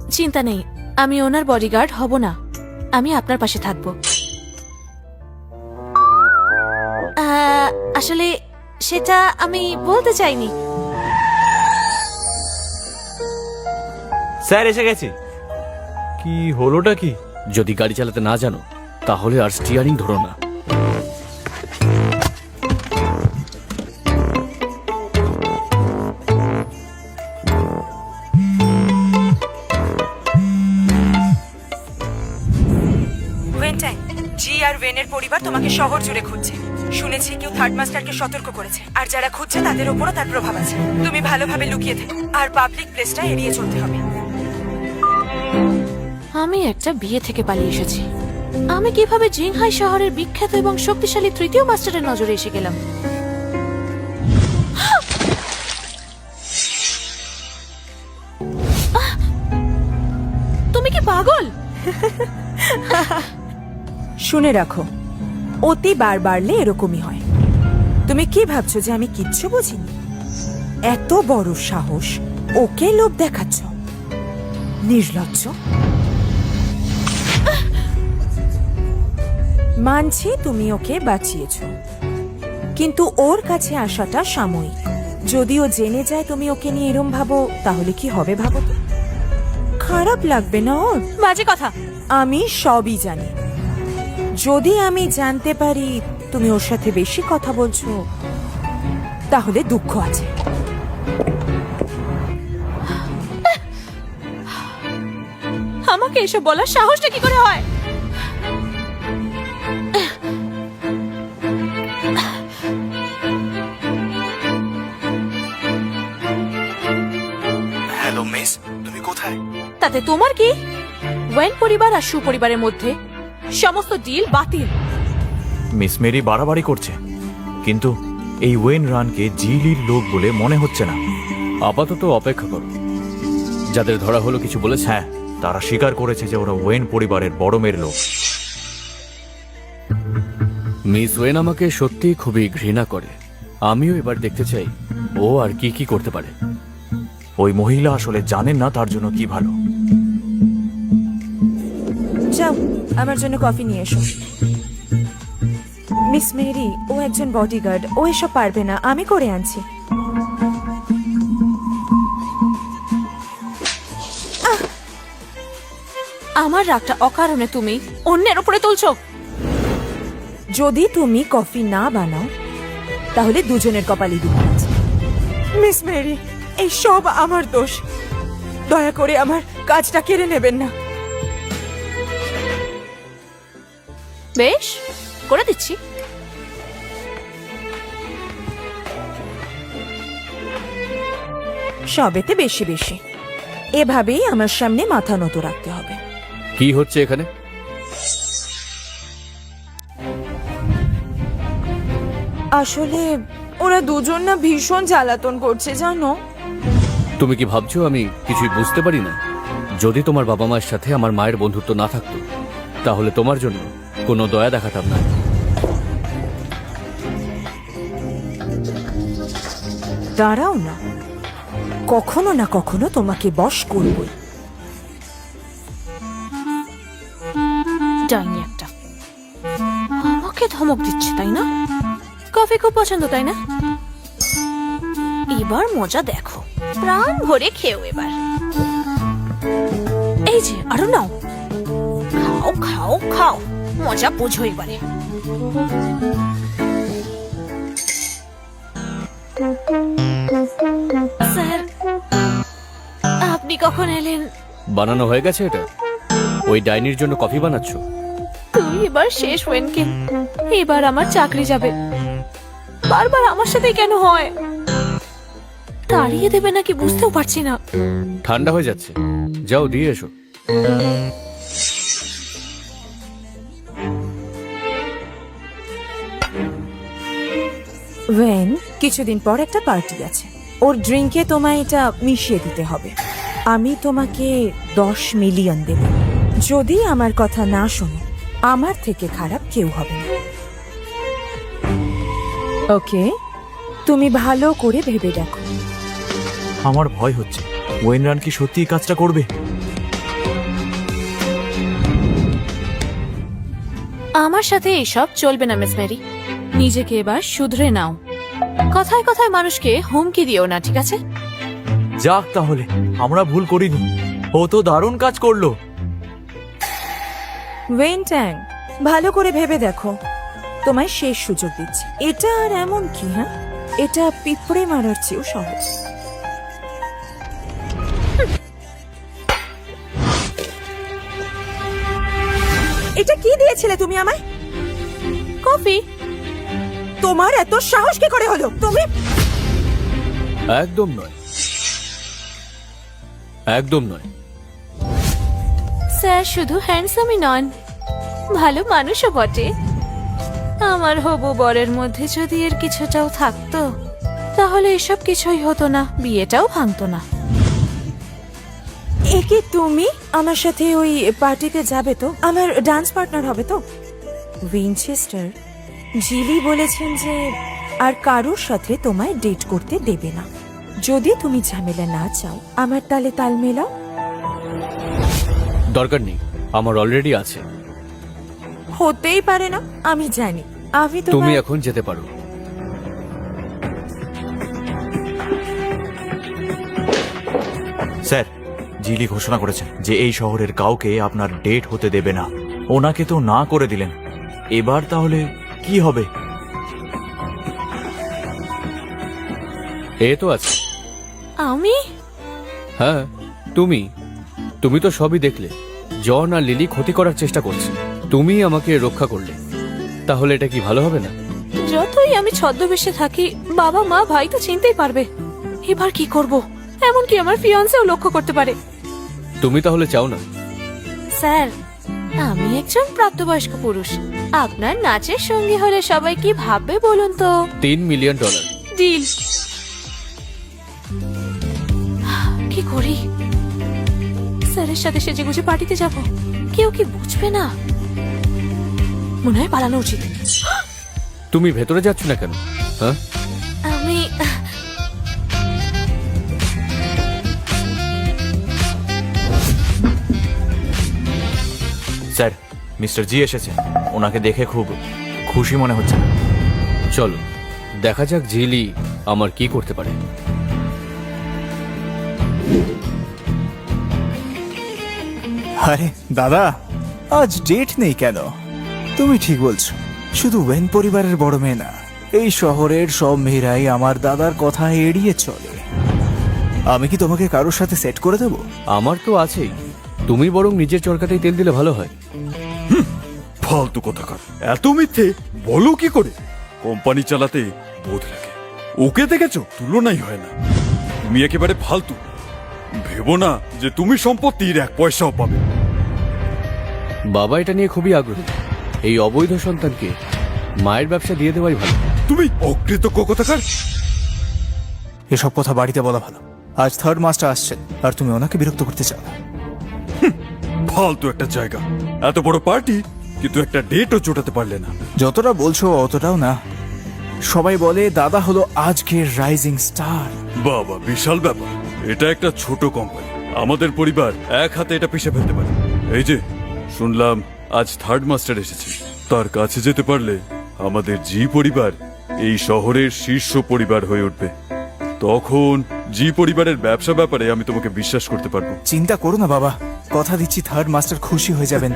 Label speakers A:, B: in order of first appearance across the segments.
A: চিন্তা নেই, আমি ওনার বডিগার্ড হব না, আমি আপনার পাশে থাকব। আসলে সেটা আমি বলতে চাইনি।
B: স্যার এসে গেছে। কি হলোটা কি?
C: যদি গাড়ি চালাতে না জানো তাহলে আর স্টিয়ারিং ধরো না।
D: জি আর ওয়েনের পরিবার তোমাকে শহর জুড়ে খুঁজছে। শুনেছি কেউ থার্ড মাস্টারকে সতর্ক করেছে, আর যারা খুঁজছে তাদের উপরও তার প্রভাব আছে। তুমি ভালোভাবে লুকিয়ে থেকো, আর পাবলিক প্লেসটা এড়িয়ে চলতে হবে।
A: আমি একটা বিয়ে থেকে পালিয়ে এসেছি। আমি কিভাবে জিংহাই শহরের বিখ্যাত এবং শক্তিশালী তৃতীয় মাস্টারের নজরে এসে গেলাম? তুমি কি পাগল?
D: শুনে রাখো, অতি বার বাড়লে এরকমই হয়। তুমি কি ভাবছো যে আমি কিচ্ছু বুঝিনি? এত বড় সাহস, ওকে লোভ দেখাচ্ছ? নির্লজ্জ। মানছি তুমি ওকে বাঁচিয়েছ, কিন্তু ওর কাছে আসাটা সাময়িক। যদি ও জেনে যায় তুমি ওকে নিয়ে এরম ভাবো, তাহলে কি হবে ভাবো তো? খারাপ লাগবে না ওর?
A: বাজে কথা।
D: আমি সবই জানি। যদি আমি জানতে পারি তুমি ওর সাথে বেশি কথা বলছো, তাহলে দুঃখ আছে।
A: আমাকে এসব বলার সাহসটা কি করে হয়?
B: হ্যালো মিস, তুমি কোথায়?
A: তাতে তোমার কি? ওয়েন পরিবার আর সুপরিবারের মধ্যে সমস্ত ডিল বাতিল।
B: মিস মেরি বাড়াবাড়ি করছে, কিন্তু এই ওয়েন রানকে জিলির লোক বলে মনে হচ্ছে না।
C: আপাতত অপেক্ষা করো। যাদের ধরা হলো কিছু বলেছে?
B: হ্যাঁ, তারা স্বীকার করেছে যে ওরা ওয়েন পরিবারের বড় মেয়ের লোক।
C: মিস ওয়েন আমাকে সত্যিই খুবই ঘৃণা করে। আমিও এবার দেখতে চাই ও আর কি কি করতে পারে।
B: ওই মহিলা আসলে জানেন না তার জন্য কি ভালো।
D: যাও, আমার জন্য কফি নিয়ে এসো। মিস মেরি, ও একজন বডিগার্ড, ও এসব পারবে না, আমি করে আনছি।
A: আমার রাগটা অকারণে তুমি অন্যের উপরে তুলছো।
D: যদি তুমি কফি না বানাও তাহলে দুজনের কপালই দুঃখ আছে। মিস মেরি, এই সব আমার দোষ। দয়া করে আমার কাজটা কেড়ে নেবেন না।
A: বেশ, করে দিচ্ছি।
D: সবেতে বেশি বেশি। এভাবেই আমার সামনে মাথা নত রাখতে হবে।
C: কি হচ্ছে এখানে?
D: আসলে ওরা দুজন না ভীষণ জ্বালাতন করছে, জানো?
C: তুমি কি ভাবছো আমি কিছুই বুঝতে পারি না? যদি তোমার বাবা মায়ের সাথে আমার মায়ের বন্ধুত্ব না থাকতো তাহলে তোমার জন্য কোনো দয়া দেখাতাম না।
D: দাঁড়াও না, কখনো না কখনো তোমাকে বশ করবই।
A: ডাইনি একটা, আমাকে ধমক দিচ্ছে তাই না? কফি খুব পছন্দ তাই না? এবার মজা দেখো, প্রাণ ভরে খেও এবার। এই যে আরো নাও, খাও খাও খাও, মজা বোঝো এবারে। স্যার, আপনি কখন এলেন?
C: বানানো হয়ে গেছে এটা? ওই ডাইনির জন্য কফি বানাচ্ছ?
A: তুই এবার শেষ ওয়েনকে, এবার আমার চাকরি যাবে। বারবার আমার সাথে কেন হয়? তাড়িয়ে দেবে নাকি বুঝতেও পারছি না।
C: ঠান্ডা হয়ে যাচ্ছে, যাও দিয়ে এসো।
D: ওয়েন, কিছুদিন পর একটা পার্টি আছে, ওর ড্রিঙ্কে তোমায় এটা মিশিয়ে দিতে হবে। আমি তোমাকে 10 মিলিয়ন দেব। যদি আমার কথা না শোনো, আমার থেকে খারাপ কেউ হবে না। ওকে, তুমি ভালো করে ভেবে দেখো।
B: আমার ভয় হচ্ছে ওয়েন রান কি সত্যি কাজটা করবে?
A: আমার সাথে এইসব চলবে না মিস মেরি। নিজেকে এবার শুধরে নাও। কথায় কথায় মানুষকে হুমকি দিও না, ঠিক আছে?
B: যাক তাহলে, আমরা ভুল করিনি। ও তো দারুণ কাজ করলো।
D: ওয়েন ট্যাং, ভালো করে ভেবে দেখো, তোমায় শেষ সুযোগ দিচ্ছি। এটা আর এমন কি, হ্যাঁ? এটা পিঁপড়ে মারার চেয়েও সহজ। এটা কি দিয়েছিলে তুমি আমায়?
A: কফি।
D: তোমার এত সাহস কি করে হলো? তুমি
C: একদম নয়, একদম নয়।
A: স্যার শুধু হ্যান্ডসামই নন, ভালো মানুষও বটে। আমার হবু বরের মধ্যে যদি এর কিছুটাও থাকতো, তাহলে এসব কিছুই হতো না, বিয়েটাও ভাঙতো না।
D: এ কি তুমি আমার সাথে ওই পার্টিতে যাবে তো? আমার ডান্স পার্টনার হবে তো? উইনচেস্টার জিলি বলেছেন যে আর কারোর সাথে তোমায় ডেট করতে দেবে না। যদি তুমি ঝামেলা না চাও, আমার তালে তাল মেলাও।
C: দরকার নেই, আমার অলরেডি আছে।
D: হতেই পারে না, আমি জানি। আমি
C: তুমি
D: তোমায়
C: এখন যেতে পারো।
B: স্যার, জিলি ঘোষণা করেছেন যে এই শহরের কাউকে আপনার ডেট হতে দেবে না। ওনাকে তো না করে দিলেন, এবার তাহলে কি হবে?
C: এ তো আছে।
A: আমি?
C: হ্যাঁ, তুমি তুমি তো সবই দেখলে। জন আর লিলি ক্ষতি করার চেষ্টা করছে, তুমি আমাকে রক্ষা করলে। তাহলে এটা কি ভালো হবে না?
A: যতই আমি ছদ্মবেশে থাকি, বাবা মা ভাই তো চিনতেই পারবে। এবার কি করব? এমনকি আমার ফিয়ান্সেও লক্ষ্য করতে পারে।
C: তুমি তাহলে চাও না?
A: স্যার, আমি একজন প্রাপ্তবয়স্ক পুরুষ। আপনার নাচের সঙ্গী হলে সবাই কি ভাববে বলুন তো?
C: $3 মিলিয়ন।
A: ডিল। কি করি? স্যারের সাথে সেজেগুজে পার্টিতে যাব, কেউ কি বুঝবে না? মনে হয় পালানো উচিত।
C: তুমি ভেতরে যাচ্ছ না কেন? হ্যাঁ,
A: আমি
B: স্যার, মিস্টার জি এসেছেন। ওনাকে দেখে খুব খুশি মনে হচ্ছে না।
C: চলো দেখা যাক জিলি আমার কি করতে পারে।
E: আরে দাদা, আজ ডেট নেই কেন? তুমি ঠিক বলছো, শুধু ওয়েন পরিবারের বড় মেয়ে না, এই শহরের সব মেয়েরাই আমার দাদার কথা এড়িয়ে চলে। আমি কি তোমাকে কারোর সাথে সেট করে দেব?
C: আমার তো আছেই, তুমি বরং নিজের চরকাতেই তেল দিলে ভালো হয়।
F: ফালতু কথাকার, এত মিথ্যে বলো কি করে? কোম্পানি চালাতে বোধ লাগে, ওকে দেখেছো? তুলনাই হয় না। তুমি একেবারে ফালতু। ভেবো না যে তুমি সম্পত্তির 1 পয়সাও পাবে।
C: বাবা এটা নিয়ে খুবই আগ্রহী। এই অবৈধ সন্তানকে মায়ের ব্যবসা দিয়ে দেওয়াই ভালো।
F: তুমি অকৃতজ্ঞ কথাকার।
E: এসব কথা বাড়িতে বলা ভালো। আজ থার্ড মাস্টার আসছেন, আর তুমি ওনাকে বিরক্ত করতে চাও না।
F: ফালতু একটা জায়গা, এত বড় পার্টি, কিন্তু একটা ডেটও জোটাতে পারলে না।
E: যতটা বলছো অতটাও না। সবাই বলে দাদা হলো আজকের রাইজিং স্টার।
F: বাবা, বিশাল ব্যাপার। এটা একটা ছোট কোম্পানি, আমাদের পরিবার এক হাতে এটা পিষে ফেলতে পারে। এই যে শুনলাম আজ থার্ড মাস্টার এসেছে, তার কাছে যেতে পারলে আমাদের জি পরিবার এই শহরের শীর্ষ পরিবার হয়ে উঠবে। তখন জি পরিবারের ব্যবসা ব্যাপারে আমি তোমাকে বিশ্বাস করতে পারবো।
E: চিন্তা করো না বাবা, কথা দিচ্ছি থার্ড মাস্টার খুশি হয়ে যাবেন।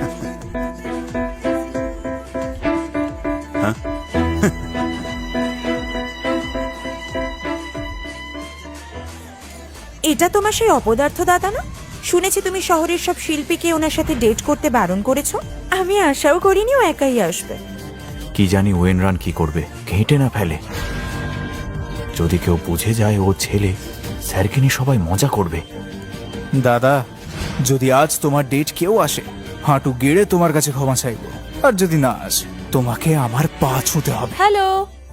D: এটা তোমার সেই অপদার্থ দাদা না? শুনেছি তুমি শহরের সব শিল্পীকে ওনার সাথে ডেট করতে বারণ করেছো। আমি আশাও করিনি ও একাই আসবে।
B: কি জানি ওয়েন রান কি করবে, ঘেঁটে না ফেলে। যদি কেউ বুঝে যায় ও ছেলে, স্যারকে নিয়ে সবাই মজা করবে।
E: দাদা, যদি আজ তোমার ডেট কেউ আসে, হাঁটু গেড়ে তোমার কাছে ক্ষমা চাইবো। আর যদি না আসে, তোমাকে আমার পা ছুঁতে হবে।
A: হ্যালো।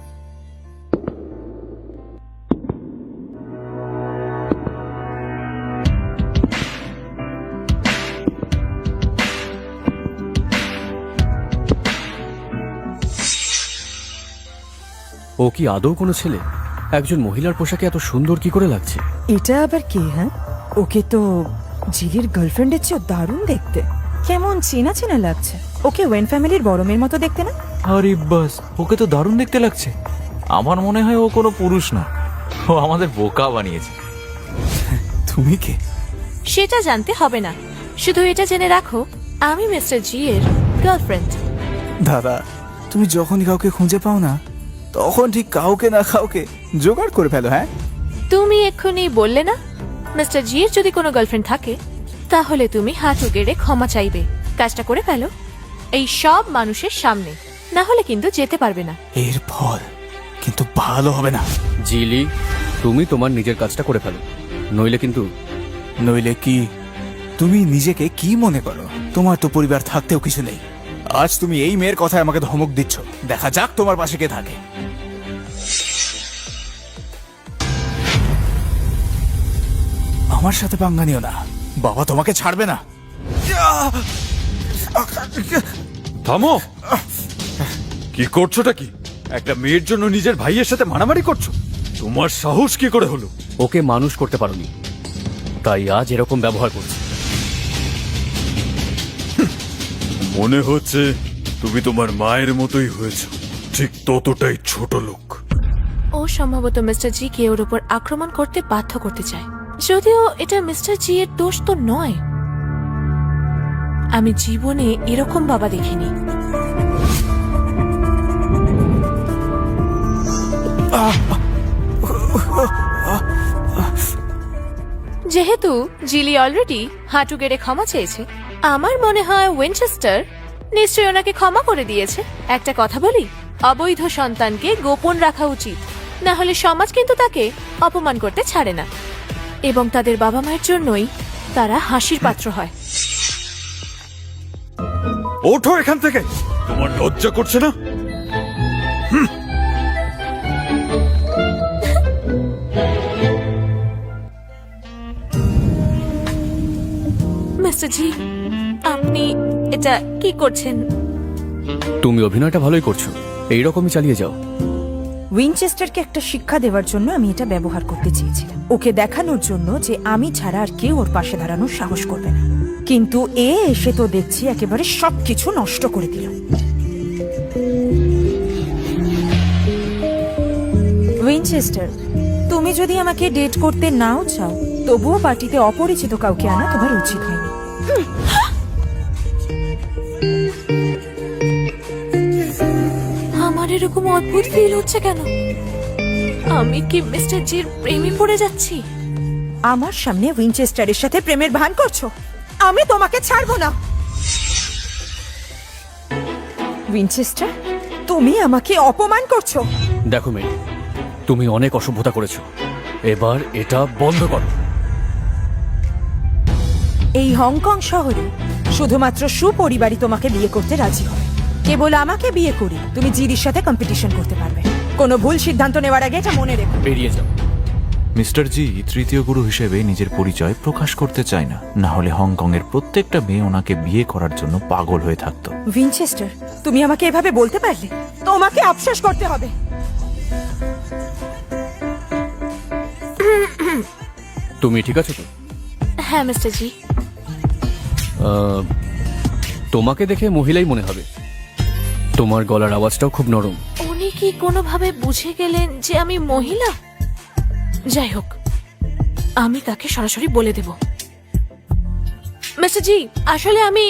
C: ও কি আদৌ কোনো ছেলে? একজন মহিলার পোশাকে এত সুন্দর কি করে লাগছে?
D: এটা আবার কে? হ্যাঁ, ওকে তো জিলির গার্লফ্রেন্ডের চেয়ে দারুণ দেখতে। কেমন চেনা চেনা লাগছে। ওকে ওয়েন ফ্যামিলির বড় মেয়ের মতো দেখতে না?
B: আরে বাস, ওকে তো দারুণ দেখতে লাগছে। আমার মনে হয় ও কোনো পুরুষ না, ও আমাদের বোকা বানিয়েছে।
E: তুমি কে?
A: সেটা জানতে হবে না, শুধু এটা জেনে রাখো আমি মিস্টার জি এর গার্লফ্রেন্ড।
E: দাদা, তুমি যখনই কাউকে খুঁজে পাও না, তখন ঠিক কাউকে না কাউকে জোগাড় করে ফেলো। হ্যাঁ,
A: তুমি এক্ষুনি বললে না মিস্টার জি এর যদি কোনো গার্লফ্রেন্ড থাকে তাহলে তুমি হাঁটু গেড়ে ক্ষমা চাইবে। কাজটা করে ফেলো এই সব মানুষের সামনে, না হলে কিন্তু যেতে পারবে না।
E: এর ফল কিন্তু ভালো হবে না।
C: জিলি, তুমি তোমার নিজের কাজটা করে ফেলো, নইলে কিন্তু।
E: নইলে কি? তুমি নিজেকে কি মনে করো? তোমার তো পরিবার থাকতেও কিছু নেই। আজ তুমি এই মেয়ের কথায় আমাকে ধমক দিচ্ছ, দেখা যাক তোমার পাশে কে থাকে। আমার সাথে পাঙ্গা নিও না, বাবা তোমাকে ছাড়বে না।
F: থামো! কি করছোটা কি? একটা মেয়ের জন্য নিজের ভাইয়ের সাথে মারামারি করছো? তোমার সাহস কি করে হলো?
C: ওকে মানুষ করতে পারোনি, তাই আজ এরকম ব্যবহার করছি।
F: মনে হচ্ছে তুমি তোমার মায়ের মতোই হয়েছ, ঠিক ততটাই ছোট লোক।
A: ও সম্ভবত মিস্টার জি কে ওর উপর আক্রমণ করতে বাধ্য করতে চায়, যদিও এটা মিস্টার জি এর দোষ তো নয়। আমি জীবনে এরকম বাবা দেখিনি। যেহেতু জিলি অলরেডি হাঁটু গেড়ে ক্ষমা চেয়েছে, আমার মনে হয় উইনচেস্টার নিশ্চয়ই ওনাকে ক্ষমা করে দিয়েছে। একটা কথা বলি, অবৈধ সন্তানকে গোপন রাখা উচিত, না হলে সমাজ কিন্তু তাকে অপমান করতে ছাড়ে না, এবং তাদের বাবা মায়ের জন্যই তারা হাসির পাত্র হয়।
F: ওঠো এখান থেকে! তোমার লজ্জা করছে না?
A: মিস্টার জি, আপনি এটা কি করছেন?
C: তুমি অভিনয়টা ভালোই করছো, এইরকমই চালিয়ে যাও।
D: উইনচেস্টারকে একটা শিক্ষা দেওয়ার জন্য আমি এটা ব্যবহার করতে চেয়েছিলাম, ওকে দেখানোর জন্য যে আমি ছাড়া আর কেউ ওর পাশে দাঁড়ানোর সাহস করবে না। কিন্তু এ এসে তো দেখছি একেবারে সবকিছু নষ্ট করে দিল। উইনচেস্টার, তুমি যদি আমাকে ডেট করতে নাও চাও, তবুও পার্টিতে অপরিচিত কাউকে আনা তোমার উচিত হয়নি।
A: আমার এরকম অদ্ভুত ফিল হচ্ছে কেন? আমি কি মিস্টার জির প্রেমে পড়ে যাচ্ছি?
D: আমার সামনে উইনচেস্টারের সাথে প্রেমের ভান করছো? আমি তোমাকে ছাড়বো না। উইনচেস্টার, তুমি আমাকে অপমান করছো।
C: দেখো মেয়ে, তুমি অনেক অসভ্যতা করেছো, এবার এটা বন্ধ করো।
D: এই হংকং শহরে শুধুমাত্র সুপরিবারই তোমাকে বিয়ে করতে রাজি হবে। কেবল আমাকে বিয়ে করি তুমি জিরির সাথে কম্পিটিশন করতে পারবে। কোনো ভুল সিদ্ধান্ত নেওয়ার আগে এটা মনে রেখো।
C: বেরিয়ে যাও।
B: মিস্টার জি তৃতীয় গুরু হিসেবে নিজের পরিচয় প্রকাশ করতে চায় না, না হলে হংকং এর প্রত্যেকটা মেয়ে ওনাকে বিয়ে করার জন্য পাগল হয়ে থাকতো।
D: উইনচেস্টার, তুমি আমাকে এভাবে বলতে পারলে? তোমাকে আফসোস করতে হবে।
C: তুমি ঠিক আছো তো?
A: হ্যাঁ মিস্টার জি।
C: তোমাকে দেখে মহিলাই মনে হবে, তোমার গলার আওয়াজটাও খুব নরম।
A: উনি কি কোনোভাবে বুঝে গেলেন যে আমি মহিলা? যাই হোক, আমি তাকে সরাসরি বলে দেব। মিস্টার জি, আসলে আমি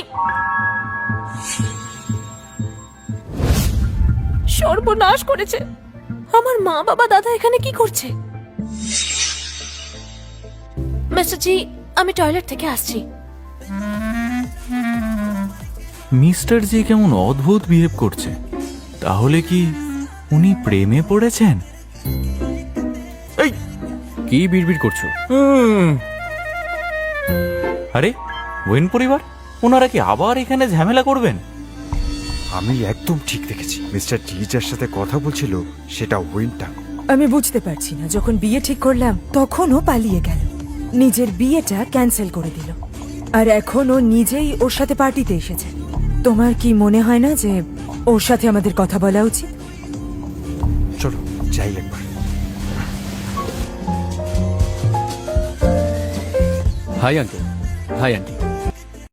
A: সর্বনাশ করেছে। আমার মা বাবা দাদা এখানে কি করছে? মিস্টার জি, আমি টয়লেট থেকে আসছি।
B: মিস্টার জি কেমন অদ্ভুত বিহেভ করছে। তাহলে কি উনি প্রেমে পড়েছেন? এই,
C: কি বিড়বিড় করছো?
B: আরে ওয়েন পরিবার, ওনারা কি আবার এখানে ঝামেলা করবেন?
G: আমি একদম ঠিক দেখেছি। মিস্টার জি যার সাথে কথা বলছিল সেটা উইনটাং।
D: আমি বুঝতে পারছি না, যখন বিয়ে ঠিক করলাম তখনও পালিয়ে গেল, নিজের বিয়েটা ক্যান্সেল করে দিল, আর এখন ও নিজেই ওর সাথে পার্টিতে এসেছে। তোমার কি মনে হয় না যে ওর সাথে আমাদের কথা বলা উচিত?
G: চলো যাই একবার।
C: Hi uncle. Hi aunty.